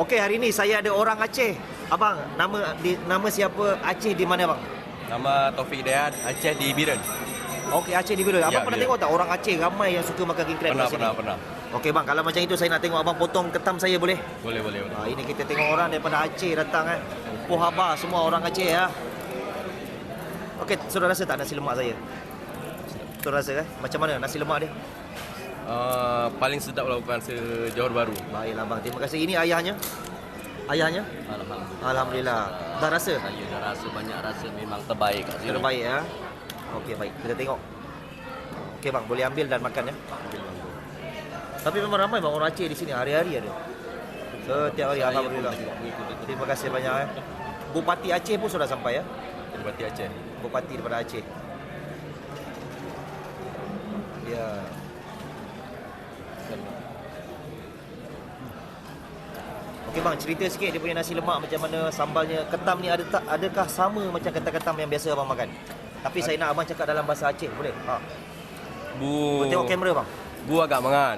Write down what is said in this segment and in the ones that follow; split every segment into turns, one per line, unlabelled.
Okey, hari ni saya ada orang Aceh. Abang, nama siapa Aceh di mana bang?
Nama Taufik Hidayat, Aceh di Biren.
Okey, Aceh di Biren. Abang
Ya,
pernah
Biren.
tengok tak orang Aceh ramai yang suka makan king crab kat sini?
Pernah.
Okey bang, kalau macam itu saya nak tengok abang potong ketam saya boleh?
Boleh.
Ini kita tengok orang daripada Aceh datang Poh Haba semua orang Aceh ya. Okey, sudah rasa tak nasi lemak saya? Sudah rasa Macam mana nasi lemak dia?
Paling sedap lah bukan se-Johor Bahru.
Baiklah bang, terima kasih. Ini ayahnya? Ayahnya? Alhamdulillah. Dah rasa?
Saya dah rasa banyak rasa memang terbaik kat sini.
Terbaik ya. Okey baik, kita tengok. Okey bang, boleh ambil dan makan ya. Tapi memang ramai bang orang Aceh di sini, hari-hari ada. Setiap hari alhamdulillah. Terima kasih banyak Bupati Aceh pun sudah sampai ya.
Bupati Aceh.
Bupati daripada Aceh. Ya. Okey bang, cerita sikit dia punya nasi lemak macam mana, sambalnya, ketam ni adakah sama macam ketam-ketam yang biasa abang makan? Tapi saya nak abang cakap dalam bahasa Aceh, boleh?
Bu
Tengok kamera bang.
Bu agak mangat.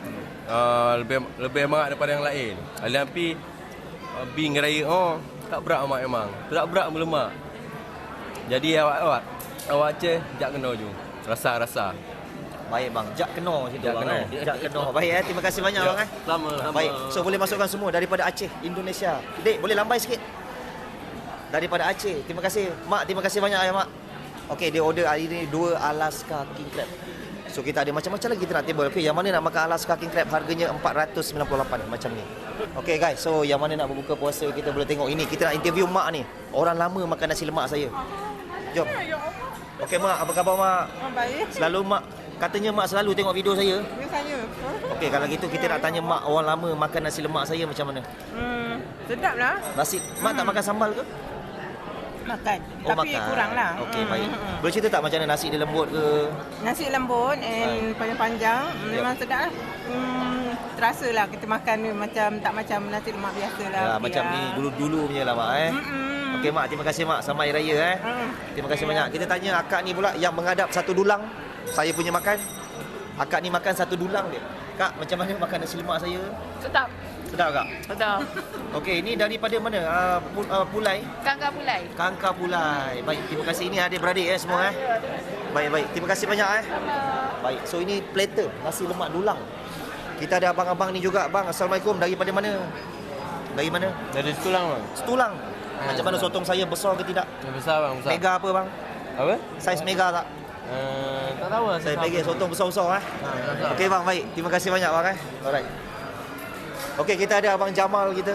Lebih mangat daripada yang lain. Tapi bing raya tak berat amat memang. Tak berat melemak. Jadi awak Aceh jak kena je. Rasa.
Baik bang, jak keno situ
Jak
bang.
keno.
Jak keno. Baik terima kasih banyak
Ya,
bang
sama.
Baik, so boleh masukkan semua daripada Aceh, Indonesia. Dek, boleh lambai sikit. Daripada Aceh. Terima kasih. Mak, terima kasih banyak ya mak. Okey, dia order hari ni 2 Alaska King Crab. So kita ada macam-macam lagi kita nak table. Okey, yang mana nak makan Alaska King Crab harganya 498 macam ni. Okey guys, so yang mana nak berbuka puasa kita boleh tengok ini. Kita nak interview mak ni. Orang lama makan nasi lemak saya. Jom. Okey mak, apa khabar mak?
Baik.
Selalu mak, katanya mak selalu tengok video saya.
Biasanya.
Okey, kalau gitu kita nak tanya mak orang lama makan nasi lemak saya macam mana?
Sedap lah.
Nasi, mak tak makan sambal ke?
Makan.
Oh,
Tapi
makan.
kurang lah.
Okey, baik. Boleh cerita tak macam mana nasi dia lembut ke?
Nasi lembut and panjang-panjang. Memang sedap lah. Terasa lah kita makan ni macam tak macam nasi lemak biasa lah.
Ya, macam ni dulu-dulu punya lah mak Okey mak, terima kasih mak. Selamat Hari Raya Terima kasih banyak. Kita tanya akak ni pula yang menghadap satu dulang. Saya punya makan. Akak ni makan satu dulang dia. Kak, macam mana makan nasi lemak saya?
Sedap.
Sedap kak?
Sedap.
Okey, ini daripada mana? Pulai?
Kangkang Pulai.
Kangkar Pulai. Baik, terima kasih. Ini adik-beradik semua Baik. Terima kasih banyak Baik, so ini platter nasi lemak dulang. Kita ada abang-abang ni juga. Bang, Assalamualaikum. Daripada mana? Dari mana?
Dari Setulang bang.
Setulang. Macam mana sotong saya besar ke tidak?
Besar bang, besar.
Mega apa bang?
Apa?
Saiz mega tak?
Tak tahu lah.
Saya bagi sotong besar-besar Okey bang, baik. Terima kasih banyak bang Alright. Okey, kita ada abang Jamal kita.